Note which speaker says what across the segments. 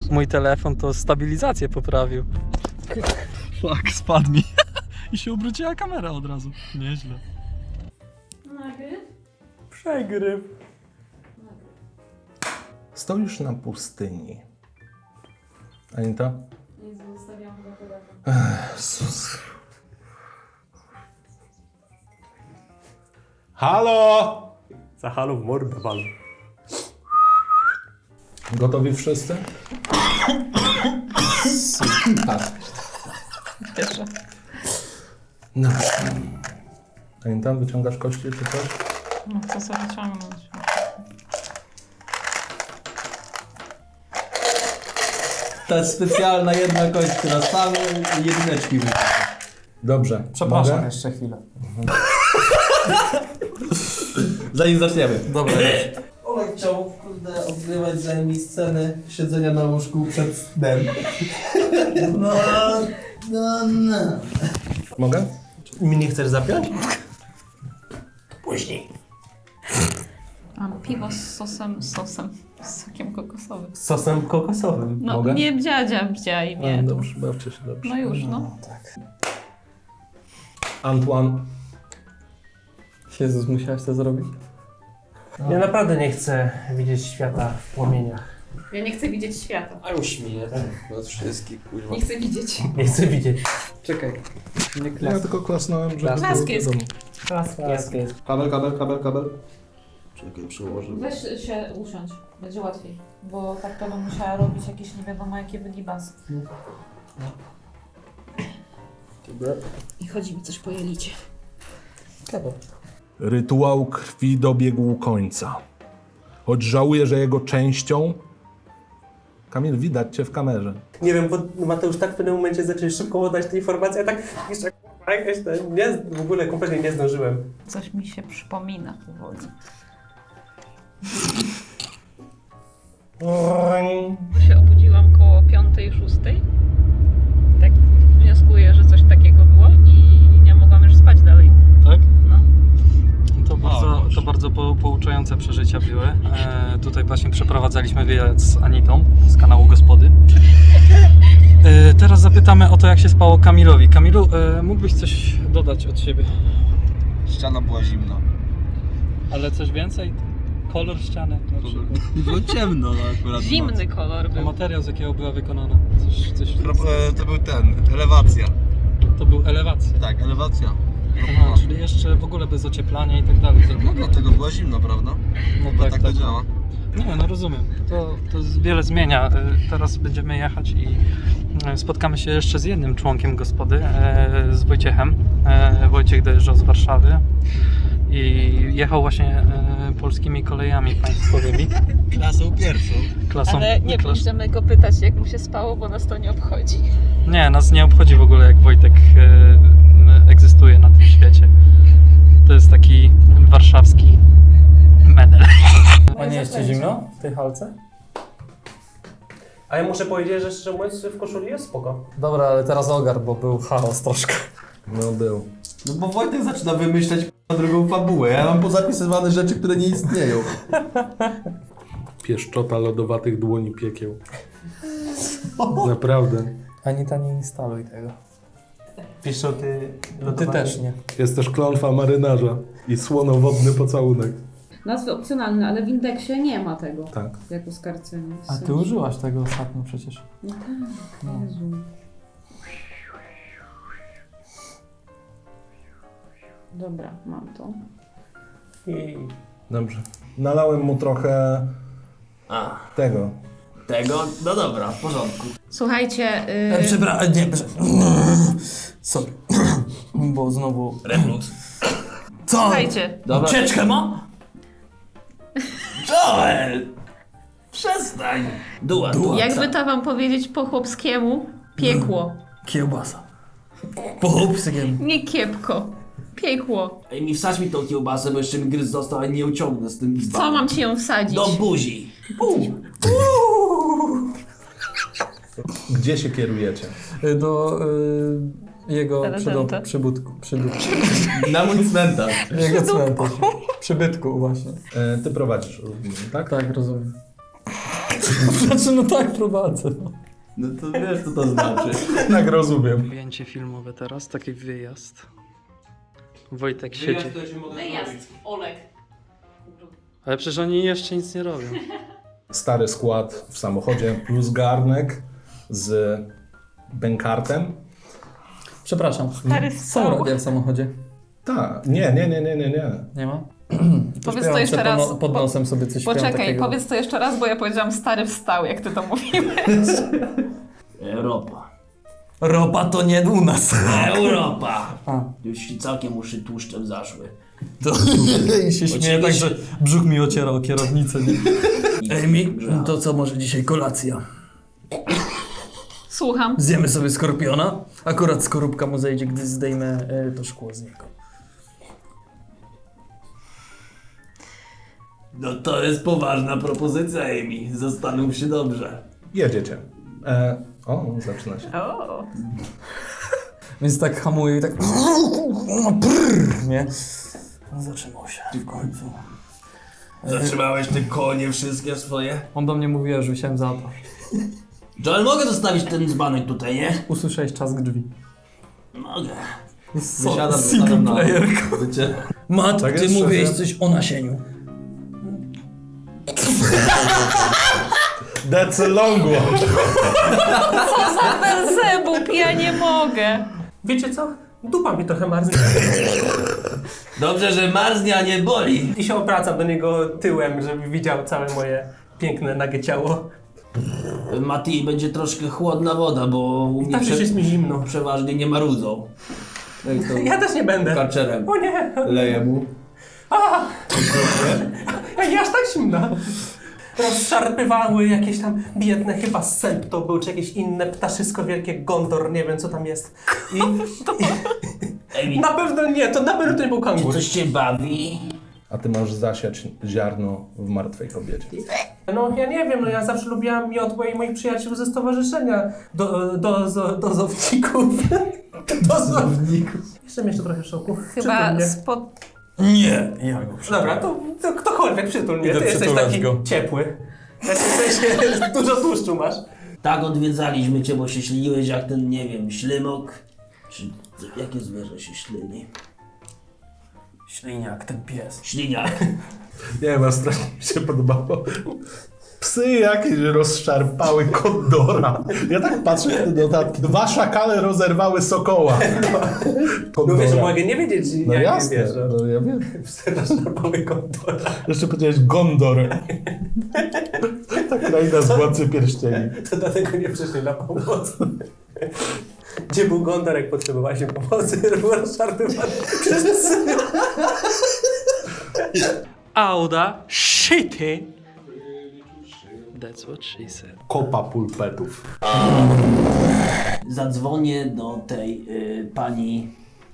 Speaker 1: Mój telefon to stabilizację poprawił. Fuck, spadł mi. I się obróciła kamera od razu. Nieźle.
Speaker 2: Nagryw?
Speaker 1: Przegryw.
Speaker 3: Stoisz na pustyni. Anita?
Speaker 2: Nie zostawiam go telefon.
Speaker 3: Jezus. Halo!
Speaker 4: Za halo w mordę wal.
Speaker 3: Gotowi wszyscy? Tak.
Speaker 2: Cieszę.
Speaker 3: No. Anita, wyciągasz kości czy coś?
Speaker 2: No co sobie ciągnąć?
Speaker 5: Ta specjalna jedna kość, która same jedyneczki wyjdzie.
Speaker 3: Dobrze.
Speaker 5: Przepraszam
Speaker 3: Mogę?
Speaker 5: jeszcze chwilę. Zanim zaczniemy.
Speaker 1: Dobra.
Speaker 5: Olek chciał, kurde, odgrywać za mi sceny siedzenia na łóżku przed snem. No.
Speaker 3: Mogę?
Speaker 5: Mi nie chcesz zapiąć? Później.
Speaker 2: Mam piwo z sosem, z sokiem kokosowym.
Speaker 5: Z sosem kokosowym.
Speaker 2: No
Speaker 3: Mogę?
Speaker 2: nie bdzia i nie.
Speaker 3: No, dobrze, bawcie się dobrze.
Speaker 2: No już, no.
Speaker 5: Tak.
Speaker 3: Antoine.
Speaker 1: Jezus, musiałeś to zrobić?
Speaker 4: Ja naprawdę nie chcę widzieć świata w płomieniach.
Speaker 2: Ja nie chcę widzieć świata.
Speaker 6: A już śmieję od wszystkich, kurwa.
Speaker 2: Nie chcę widzieć.
Speaker 4: Nie chcę widzieć.
Speaker 6: Czekaj. Nie
Speaker 3: Ja
Speaker 6: klas.
Speaker 3: tylko klasnąłem, żeby
Speaker 6: Klask
Speaker 3: było
Speaker 2: jest.
Speaker 3: wiadomo.
Speaker 4: Klask jest.
Speaker 5: Kabel. Czekaj, przełożę.
Speaker 2: Weź się usiądź, będzie łatwiej. Bo tak to bym musiała robić jakieś nie wiadomo jakie wygibasy.
Speaker 6: Dobra.
Speaker 2: I chodzi mi coś po jelicie.
Speaker 3: Rytuał krwi dobiegł końca. Choć żałuję, że jego częścią... Kamil, widać cię w kamerze.
Speaker 4: Nie wiem, bo Mateusz tak w pewnym momencie zaczął szybko podać te informacje, a tak jeszcze kurwa, jakaś ten, nie, w ogóle kompletnie nie zdążyłem.
Speaker 2: Coś mi się przypomina powoli. Się obudziłam koło 5:06. Tak wnioskuję, że coś takiego było i nie mogłam już spać dalej.
Speaker 1: Tak?
Speaker 2: No.
Speaker 1: To bardzo pouczające przeżycia były. Tutaj właśnie przeprowadzaliśmy wywiad z Anitą z kanału Gospody. Teraz zapytamy o to, jak się spało Kamilowi. Kamilu, mógłbyś coś dodać od siebie?
Speaker 6: Ściana była zimna.
Speaker 1: Ale coś więcej? Kolor ściany na przykład.
Speaker 6: Było ciemno akurat.
Speaker 2: Zimny kolor
Speaker 1: A
Speaker 2: był.
Speaker 1: materiał, z jakiego była wykonana? Coś
Speaker 6: To był elewacja.
Speaker 1: to był elewacja.
Speaker 6: Tak, elewacja.
Speaker 1: Aha, czyli jeszcze w ogóle bez ocieplania i tak dalej.
Speaker 6: No dlatego była zimno, prawda?
Speaker 1: No
Speaker 6: Bo tak to działa.
Speaker 1: Nie, no rozumiem. To wiele zmienia. Teraz będziemy jechać i spotkamy się jeszcze z jednym członkiem Gospody, z Wojciechem. Wojciech dojeżdżał z Warszawy i jechał właśnie polskimi kolejami państwowymi.
Speaker 6: Klasą pierwszą.
Speaker 1: Klasą,
Speaker 2: Ale nie będziemy go pytać, jak mu się spało, bo nas to nie obchodzi.
Speaker 1: Nie, nas nie obchodzi w ogóle, jak Wojtek egzystuje na tym świecie. To jest taki warszawski menel. A nie jest ci zimno w tej halce?
Speaker 4: A ja muszę powiedzieć, że szczerze mówiąc w koszuli jest spoko.
Speaker 1: Dobra, ale teraz ogar, bo był chaos troszkę.
Speaker 3: No był.
Speaker 5: No bo Wojtek zaczyna wymyślać drugą fabułę. Ja mam pozapisywane rzeczy, które nie istnieją.
Speaker 3: Pieszczota lodowatych dłoni piekieł. Naprawdę.
Speaker 1: Anita, nie instaluj tego.
Speaker 4: Pieszczoty
Speaker 1: Ty
Speaker 4: lodowane.
Speaker 1: też nie.
Speaker 3: Jest też klątwa marynarza i słonowodny pocałunek.
Speaker 2: Nazwy opcjonalne, ale w indeksie nie ma tego
Speaker 3: Tak.
Speaker 2: jako skarcenia.
Speaker 1: A ty użyłaś tego ostatnio przecież.
Speaker 2: No tak, Jezu. Dobra, mam to.
Speaker 4: I
Speaker 3: Dobrze. Nalałem mu trochę tego.
Speaker 5: Tego? No dobra, w porządku.
Speaker 2: Słuchajcie,
Speaker 5: Przepraszam, nie, sorry. Bo znowu... Reflux. Co?
Speaker 2: słuchajcie,
Speaker 5: Dobra. Ucieczkę ma? Joel! Przestań! Duła.
Speaker 2: jakby to wam powiedzieć po chłopskiemu, piekło.
Speaker 5: Kiełbasa. Po chłopskiem.
Speaker 2: Nie kiepko, piekło.
Speaker 5: Ej, mi wsadź mi tą kiełbasę, bo jeszcze mi gryz został, a nie uciągnę z tym
Speaker 2: Co mam ci ją wsadzić?
Speaker 5: Do buzi.
Speaker 3: Gdzie się kierujecie?
Speaker 1: Do jego
Speaker 2: Prezydenta.
Speaker 1: przybytku.
Speaker 5: Na mój cmentarz.
Speaker 1: Jego cmentarz. Przybytku właśnie.
Speaker 3: Ty prowadzisz, rozumiem, tak?
Speaker 1: Tak, rozumiem.
Speaker 7: Znaczy, no tak, prowadzę. No.
Speaker 6: No to wiesz, co to znaczy.
Speaker 3: Tak rozumiem.
Speaker 1: Ujęcie filmowe teraz, taki wyjazd. Wojtek siedzi.
Speaker 2: Wyjazd, Olek.
Speaker 1: Ale przecież oni jeszcze nic nie robią.
Speaker 3: Stary skład w samochodzie plus garnek z bękartem.
Speaker 7: Przepraszam.
Speaker 2: Stary
Speaker 7: Są
Speaker 2: stał.
Speaker 7: radia w samochodzie?
Speaker 3: Tak. Nie.
Speaker 7: Nie ma?
Speaker 2: Powiedz
Speaker 7: Śpiewam
Speaker 2: to jeszcze
Speaker 7: se
Speaker 2: raz.
Speaker 7: Pod nosem sobie coś śpiewam
Speaker 2: Poczekaj,
Speaker 7: takiego.
Speaker 2: powiedz to jeszcze raz, bo ja powiedziałam stary wstał, jak ty to mówiłeś.
Speaker 6: Europa.
Speaker 7: Ropa to nie u nas.
Speaker 6: Europa!
Speaker 7: A.
Speaker 6: Już całkiem uszy tłuszczem zaszły.
Speaker 7: To... I się śmieję tak, że brzuch mi ociera o kierownicę. Amy, to co może dzisiaj kolacja?
Speaker 2: Słucham.
Speaker 7: Zjemy sobie skorpiona. Akurat skorupka mu zejdzie, gdy zdejmę to szkło z niego.
Speaker 6: No to jest poważna propozycja, Amy. Zastanów się dobrze.
Speaker 3: Jedziecie. Zaczyna się.
Speaker 2: O.
Speaker 7: Więc tak hamuję i tak... Nie? No zatrzymał się w końcu.
Speaker 6: Zatrzymałeś te konie wszystkie swoje?
Speaker 7: On do mnie mówi, że wziąłem za to.
Speaker 6: Joel, mogę zostawić ten dzbanek tutaj, nie?
Speaker 7: Usłyszałeś trzask drzwi.
Speaker 6: Mogę.
Speaker 7: Wysiadam, single player. Mat,
Speaker 3: Tak
Speaker 7: ty
Speaker 3: jest,
Speaker 7: mówiłeś
Speaker 3: szefie?
Speaker 7: coś o nasieniu.
Speaker 3: That's a long one.
Speaker 2: Co za Belzebub, ja nie mogę.
Speaker 4: Wiecie co? Dupa mi trochę marznie.
Speaker 6: Dobrze, że marznie, a nie boli.
Speaker 4: I się obracam do niego tyłem, żeby widział całe moje piękne, nagie ciało.
Speaker 6: Mati, będzie troszkę chłodna woda, bo u mnie
Speaker 4: Tak już jest mi zimno.
Speaker 6: przeważnie nie marudzą. No i to
Speaker 4: Ja też nie będę.
Speaker 6: karczerem
Speaker 4: O nie!
Speaker 6: leję mu.
Speaker 4: Ej, aż tak zimna. Rozszarpywały jakieś tam biedne, chyba sęp to był, czy jakieś inne ptaszysko wielkie, gondor, nie wiem co tam jest.
Speaker 6: Amy,
Speaker 4: Na pewno nie, to na pewno to nie był
Speaker 6: czy
Speaker 4: kangur.
Speaker 6: coś cię bawi?
Speaker 3: A ty możesz zasiać ziarno w martwej kobiecie.
Speaker 4: No ja nie wiem, no ja zawsze lubiłam miotłę i moich przyjaciół ze stowarzyszenia dozowników. Dozowników. Jestem jeszcze trochę w szoku.
Speaker 2: Chyba
Speaker 4: Przytul mnie.
Speaker 2: spod...
Speaker 7: Nie, ja go
Speaker 4: Dobra, to ktokolwiek przytul mnie,
Speaker 7: Idę
Speaker 4: ty jesteś
Speaker 7: przytulać
Speaker 4: taki
Speaker 7: go.
Speaker 4: ciepły. Znaczy w sensie dużo tłuszczu masz.
Speaker 6: Tak odwiedzaliśmy cię, bo się śliniłeś jak ten, nie wiem, ślimok. Czy jakie zwierzę się ślini?
Speaker 7: Śliniak, ten pies.
Speaker 6: Śliniak.
Speaker 3: Nie wiem, strasznie mi się podobało. Psy jakieś rozszarpały kondora. Ja tak patrzę w te notatki. 2 szakale rozerwały sokoła.
Speaker 4: No wiesz, mogę nie wiedzieć,
Speaker 3: No
Speaker 4: jak
Speaker 3: jasne,
Speaker 4: wiesz.
Speaker 3: no ja wiem.
Speaker 4: Rozszarpały kondora.
Speaker 3: Jeszcze powiedziałeś Gondor. Ta kraina z Władcy Pierścieni.
Speaker 4: To dlatego nie przyszli na pomoc. Gdzie był Gondor, jak potrzebowaliśmy pomocy? Był rozszarpywany przez psy.
Speaker 1: Auda shitty. That's what she said.
Speaker 3: Kopa pulpetów.
Speaker 6: Zadzwonię do tej pani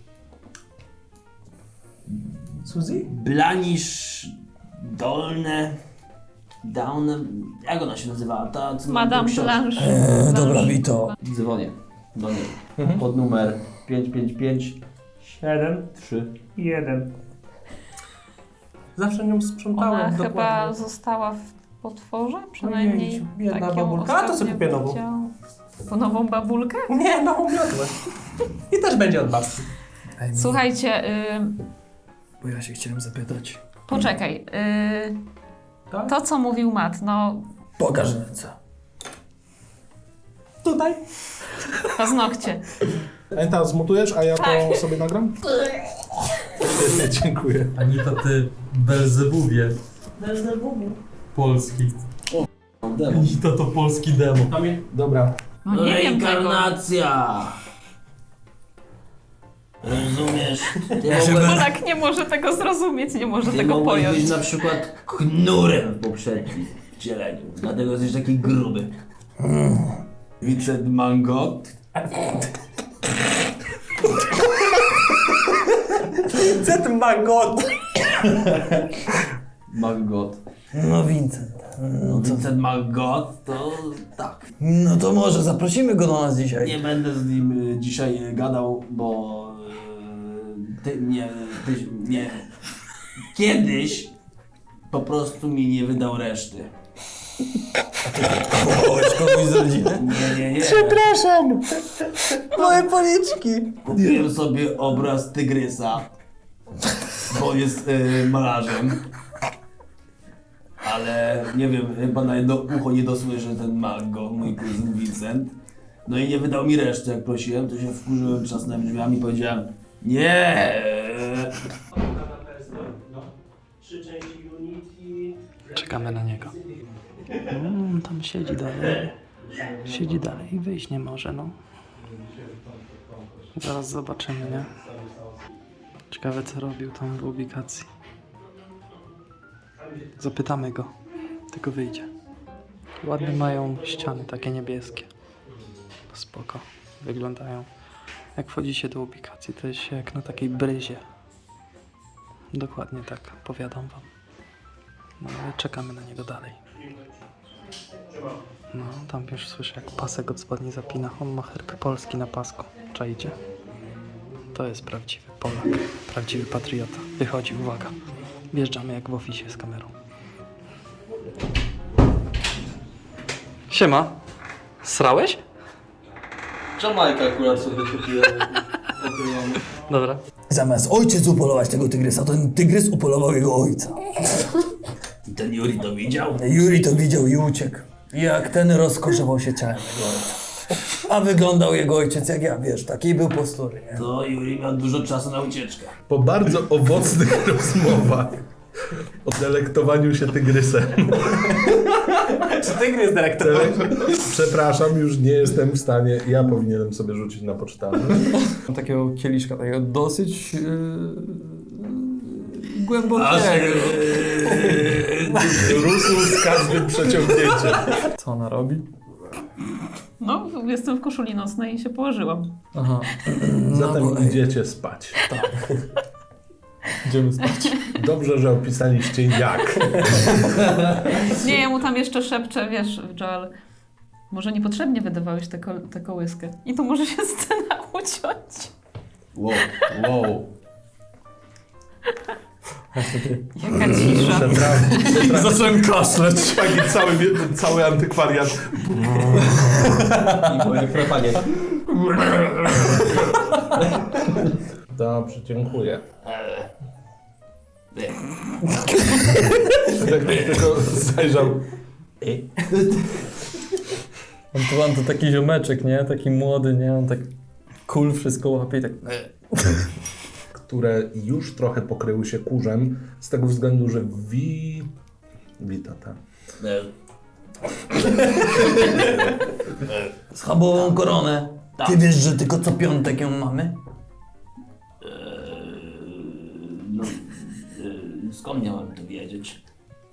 Speaker 4: Suzy?
Speaker 6: Blanisz Dolne. Down. Jak ona się nazywała? Ta, co
Speaker 2: Madame
Speaker 6: książkę.
Speaker 2: Blanche.
Speaker 7: Dobra, Vito.
Speaker 6: Dzwonię do niej. Pod numer 555 73.
Speaker 4: 1. Zawsze nią sprzątałem
Speaker 2: Ona chyba
Speaker 4: dokładnie.
Speaker 2: została w potworze, przynajmniej
Speaker 4: Ojej, biedna
Speaker 2: tak ją
Speaker 4: babulka. A to sobie
Speaker 2: ostatnio
Speaker 4: kupię nową.
Speaker 2: widziałam. Po nową babulkę?
Speaker 4: Nie, nową miotłę. I też będzie od babci.
Speaker 2: Słuchajcie,
Speaker 7: Bo ja się chciałem zapytać.
Speaker 2: poczekaj.
Speaker 4: Tak?
Speaker 2: To, co mówił Matt, no
Speaker 7: Pokaż ręce.
Speaker 4: Tutaj?
Speaker 2: paznokcie.
Speaker 3: Enta, zmutujesz, a ja
Speaker 2: Tak.
Speaker 3: to sobie nagram? Dziękuję.
Speaker 7: Anita, ty Belzebubie. Polski.
Speaker 6: Demo.
Speaker 7: Anita to polski demo.
Speaker 3: Dobra.
Speaker 2: No nie wiem tego.
Speaker 6: Reinkarnacja! Rozumiesz? Ty
Speaker 2: Polak nie może tego zrozumieć, nie może
Speaker 6: Ty
Speaker 2: tego
Speaker 6: mogłeś
Speaker 2: pojąć.
Speaker 6: być na przykład knurem w poprzednim wcieleniu. Dlatego jesteś taki gruby. Vincent Mangot.
Speaker 4: Cet magot.
Speaker 6: Mangot.
Speaker 7: No Vincent.
Speaker 6: No Vincent Mangot to tak.
Speaker 7: No to może zaprosimy go do nas dzisiaj.
Speaker 6: Nie będę z nim dzisiaj gadał, bo ty kiedyś po prostu mi nie wydał reszty.
Speaker 7: Wołałeś kogoś z rodziny?
Speaker 6: Nie.
Speaker 7: Przepraszam! Moje policzki!
Speaker 6: Kupiłem sobie obraz tygrysa, bo jest malarzem. Ale nie wiem, chyba na jedno ucho nie dosłyszy ten Mango, mój kuzyn Vincent. No i nie wydał mi reszty, jak prosiłem, to się wkurzyłem, trzasnąłem drzwiami i powiedziałem nie.
Speaker 1: Czekamy na niego. On tam siedzi dalej. Siedzi dalej i wyjść nie może, no. Zaraz zobaczymy, nie? Ciekawe, co robił tam w ubikacji. Zapytamy go. Tylko wyjdzie. Ładne mają ściany, takie niebieskie. Spoko. Wyglądają. Jak wchodzi się do ubikacji, to jest się jak na takiej bryzie. Dokładnie tak, powiadam wam. No ale czekamy na niego dalej. No, tam już słyszę, jak pasek od spodni zapina. On ma herb Polski na pasku. Czajcie? To jest prawdziwy Polak. Prawdziwy patriota. Wychodzi, uwaga. Wjeżdżamy jak w oficie z kamerą. Siema. Srałeś?
Speaker 5: Jamajka akurat sobie kupiłem. Okrywam.
Speaker 1: Dobra.
Speaker 7: Zamiast ojciec upolować tego tygrysa, to ten tygrys upolował jego ojca.
Speaker 6: I ten Juri to widział?
Speaker 7: Juri to widział i uciekł. Jak ten rozkoszował się ciałem jego ojca. A wyglądał jego ojciec jak ja, wiesz, takiej był postury, nie?
Speaker 6: To Juri miał dużo czasu na ucieczkę.
Speaker 3: Po bardzo owocnych rozmowach o delektowaniu się tygrysem.
Speaker 4: Czy tygrys dyrektor?
Speaker 3: Przepraszam, już nie jestem w stanie. Ja powinienem sobie rzucić na poczytanie.
Speaker 7: Takiego kieliszka, takiego dosyć
Speaker 6: Aż
Speaker 7: głębokiego.
Speaker 3: Rósł z każdym przeciągnięciem.
Speaker 7: Co ona robi?
Speaker 2: No, jestem w koszuli nocnej i się położyłam.
Speaker 7: Aha.
Speaker 3: Zatem
Speaker 7: bo-
Speaker 3: idziecie spać.
Speaker 7: Idziemy spać.
Speaker 3: Dobrze, że opisaliście jak.
Speaker 2: Nie, ja mu tam jeszcze szepczę, wiesz, Joel, może niepotrzebnie wydawałeś tę kołyskę. I tu może się scena uciąć.
Speaker 6: Wow.
Speaker 2: Jaka cisza.
Speaker 3: Zacząłem kaszleć. Taki cały antykwariat.
Speaker 5: I moje chrapanie.
Speaker 3: Dobrze, dziękuję. Tylko zajrzał.
Speaker 7: Antoine to taki ziomeczek, nie? Taki młody, nie? On tak cool wszystko łapie i tak...
Speaker 3: Które już trochę pokryły się kurzem, z tego względu, że Witata.
Speaker 7: Schabową koronę. Ty wiesz, że tylko co piątek ją mamy?
Speaker 6: Skąd miałem to wiedzieć?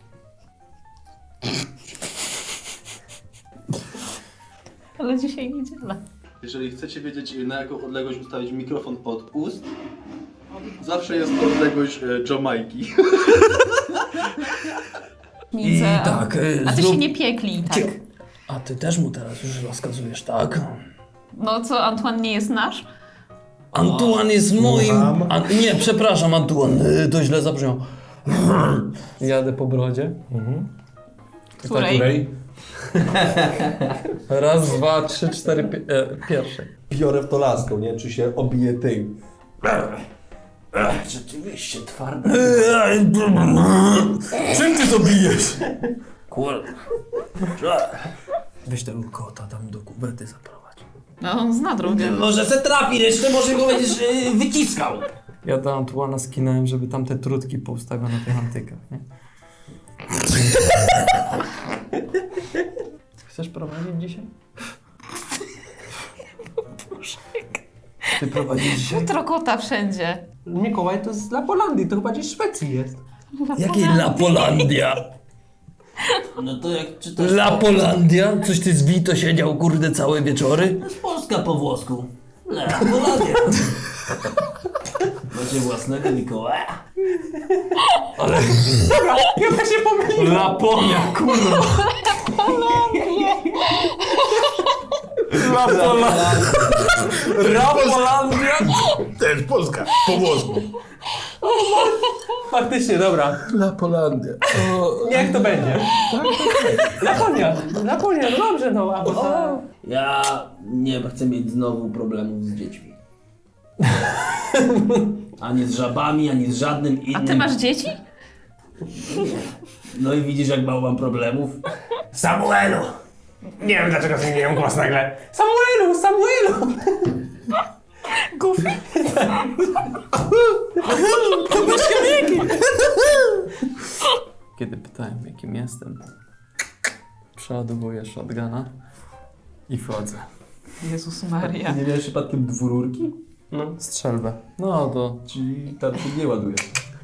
Speaker 2: Ale dzisiaj niedziela.
Speaker 5: Jeżeli chcecie wiedzieć, na jaką odległość ustawić mikrofon od ust, zawsze jest to odległość Jamajki.
Speaker 7: I tak,
Speaker 2: A ty się nie piekli, tak?
Speaker 7: A ty też mu teraz już rozkazujesz, tak?
Speaker 2: No co, Antoine nie jest nasz?
Speaker 7: Antoine jest moim...
Speaker 3: Słucham?
Speaker 7: Nie, przepraszam, Antoine, to źle zabrzmiał. Jadę po brodzie.
Speaker 2: Której?
Speaker 7: Raz, dwa, trzy, cztery, pierwszej.
Speaker 5: Biorę w to laską, nie? Czy się obije tym.
Speaker 6: Rzeczywiście twardy.
Speaker 7: Czym ty to bijesz?
Speaker 6: Kurde.
Speaker 7: Weź tego kota tam do kuwety zaprowadź.
Speaker 2: No on zna drogę.
Speaker 6: Może se trafi resztę, może go będziesz wyciskał.
Speaker 7: Ja do Antoana skinąłem, żeby tam te trutki poustawiał na tych antykach, nie? Chcesz prowadzić dzisiaj? Ty prowadzisz dzisiaj?
Speaker 2: Futro kota wszędzie.
Speaker 4: Mikołaj to z Lapolandii, to chyba gdzieś w Szwecji jest.
Speaker 7: Jakiej Lapolandia?
Speaker 6: No to jak czytasz...
Speaker 7: Lapolandia? Coś ty z Vito siedział, kurde, całe wieczory?
Speaker 6: To jest Polska po włosku. Lapolandia. Macie własnego Mikołaja?
Speaker 4: Ja się pomyliłem.
Speaker 7: Laponia, kurwa! Lapolandia! Lapolandia!
Speaker 3: Też Polska, po włosku.
Speaker 4: Faktycznie, dobra.
Speaker 3: Lapolandia.
Speaker 4: Niech to będzie. Laponia, no dobrze, no. Albo
Speaker 6: Ja nie chcę mieć znowu problemów z dziećmi. Ani z żabami, ani z żadnym innym.
Speaker 2: A ty masz dzieci?
Speaker 6: No i widzisz, jak mało mam problemów.
Speaker 4: Samuelu! Nie wiem, dlaczego zmieniłem głos nagle. Samuelu!
Speaker 2: Goofy?
Speaker 1: Kiedy pytałem, jakim jestem, przeładowuję shotguna i wchodzę.
Speaker 2: Jezus Maria.
Speaker 6: Nie miałeś przypadkiem dwururki?
Speaker 1: Strzelbę. No to...
Speaker 6: Czyli tam się nie ładuje.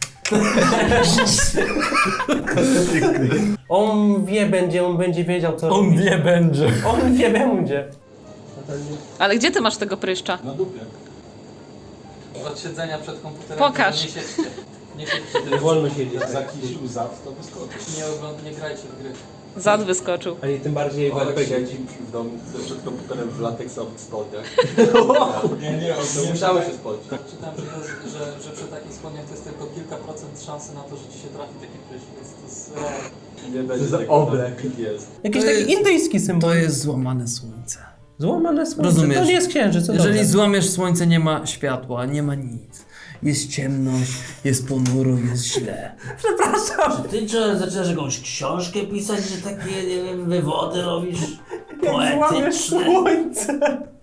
Speaker 4: On będzie wiedział, co
Speaker 1: On
Speaker 4: robi.
Speaker 1: wie będzie.
Speaker 4: On wie, będzie.
Speaker 2: Ale gdzie ty masz tego pryszcza?
Speaker 6: Na dupie.
Speaker 1: Od siedzenia przed komputerem.
Speaker 2: Pokaż.
Speaker 1: Nie siedźcie. Nie siedźcie.
Speaker 4: Wolno siedzieć.
Speaker 3: Za jakiś łzat, to wyskoczy.
Speaker 1: Nie grajcie w gry.
Speaker 2: Zad wyskoczył.
Speaker 4: Ani tym bardziej w RPG.
Speaker 5: w domu przed komputerem w lateksowych spodniach. Nie, to musiały się spodniać.
Speaker 1: Czytałem, że przy takich spodniach to jest tylko kilka procent szansy na to, że ci się trafi taki prysz, więc to jest...
Speaker 5: Nie będzie
Speaker 4: za
Speaker 5: tego,
Speaker 4: oblek.
Speaker 5: Jest.
Speaker 4: Jakiś taki indyjski symbol.
Speaker 7: To jest złamane słońce.
Speaker 4: Złamane słońce.
Speaker 7: Rozumiesz?
Speaker 4: To nie jest księżyc, co
Speaker 7: Jeżeli
Speaker 4: dobrze.
Speaker 7: złamiesz słońce, nie ma światła, nie ma nic. Jest ciemność, jest ponuro, jest źle.
Speaker 6: Czy ty zaczynasz jakąś książkę pisać, że takie, nie wiem, wywody robisz?
Speaker 4: Jak złamiesz słońce.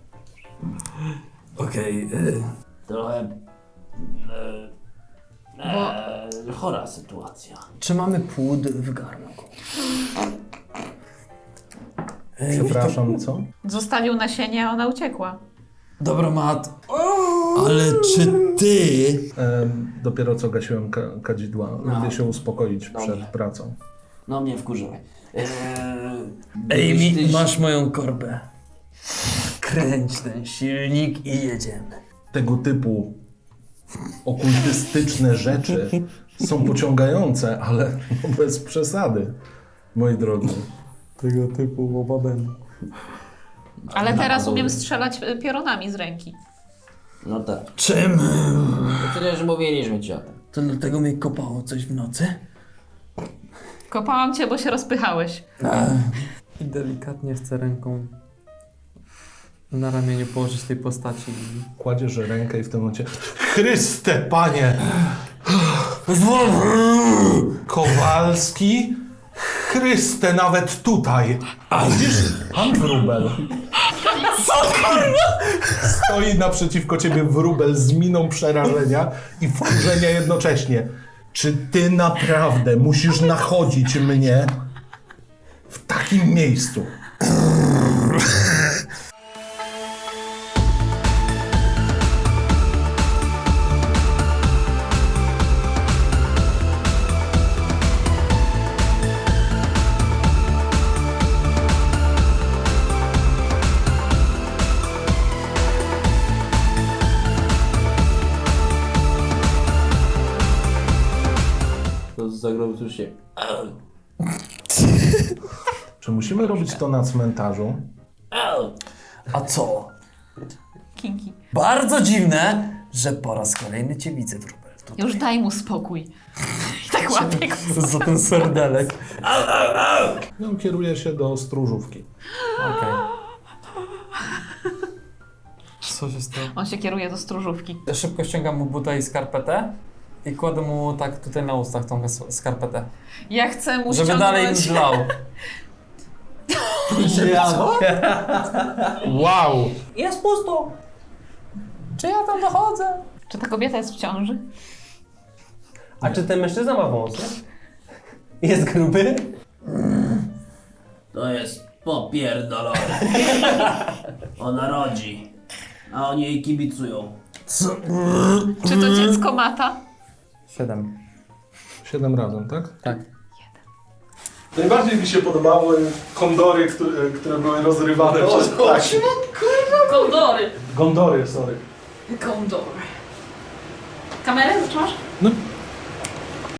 Speaker 7: Okej,
Speaker 6: Trochę... chora sytuacja.
Speaker 7: czy mamy płód w garnku?
Speaker 3: Przepraszam, co?
Speaker 2: Zostawił nasienie, a ona uciekła.
Speaker 7: Dobra, Mat. Ale czy ty...
Speaker 3: Dopiero co gasiłem kadzidła. Idę się uspokoić przed pracą.
Speaker 6: No mnie wkurzyłeś.
Speaker 7: Amy, masz moją korbę. Kręć ten silnik i jedziemy.
Speaker 3: Tego typu okultystyczne rzeczy są pociągające, ale no bez przesady, moi drodzy.
Speaker 1: Tego typu łobabem.
Speaker 2: Ale teraz umiem strzelać piorunami z ręki.
Speaker 6: No tak.
Speaker 7: Czym?
Speaker 6: To przecież mówiliśmy ci o tym.
Speaker 7: To dlatego mnie kopało coś w nocy?
Speaker 2: Kopałam cię, bo się rozpychałeś.
Speaker 1: I delikatnie chcę ręką na ramieniu położyć tej postaci.
Speaker 3: Kładziesz rękę i w tym momencie Chryste, Panie! Kowalski? Chryste, nawet tutaj! A widzisz, pan Wróbel. Stoi naprzeciwko ciebie Wróbel z miną przerażenia i wkurzenia jednocześnie. Czy ty naprawdę musisz nachodzić mnie w takim miejscu?
Speaker 6: To zagrobu już się...
Speaker 3: Czy musimy robić to na cmentarzu?
Speaker 7: A co?
Speaker 2: Kinki.
Speaker 7: Bardzo dziwne, że po raz kolejny cię widzę, Wróbel.
Speaker 2: Już daj mu spokój. I tak łapię go.
Speaker 1: Za ten serdelek.
Speaker 3: No, kieruję się do stróżówki.
Speaker 1: Okej. Co się stało?
Speaker 2: On się kieruje do stróżówki.
Speaker 1: Szybko ściągam mu buta i skarpetę i kładę mu tak tutaj na ustach tą skarpetę.
Speaker 2: Ja chcę mu
Speaker 1: Żeby dalej im
Speaker 2: ściągnąć...
Speaker 1: zlał.
Speaker 3: Wow!
Speaker 4: Jest pusto.
Speaker 1: Czy ja tam dochodzę?
Speaker 2: Czy ta kobieta jest w ciąży?
Speaker 4: A czy ten mężczyzna ma wąsy? Jest gruby?
Speaker 6: To jest popierdolone. Ona rodzi, a oni jej kibicują.
Speaker 2: Czy to dziecko mata?
Speaker 1: 7.
Speaker 3: 7 razem, tak?
Speaker 1: Tak.
Speaker 3: Najbardziej mi się podobały kondory, które były rozrywane przez ptaki.
Speaker 2: Kondory.
Speaker 3: Gondory, sorry.
Speaker 2: Kondory. Kamerę zatrzymasz?
Speaker 3: No,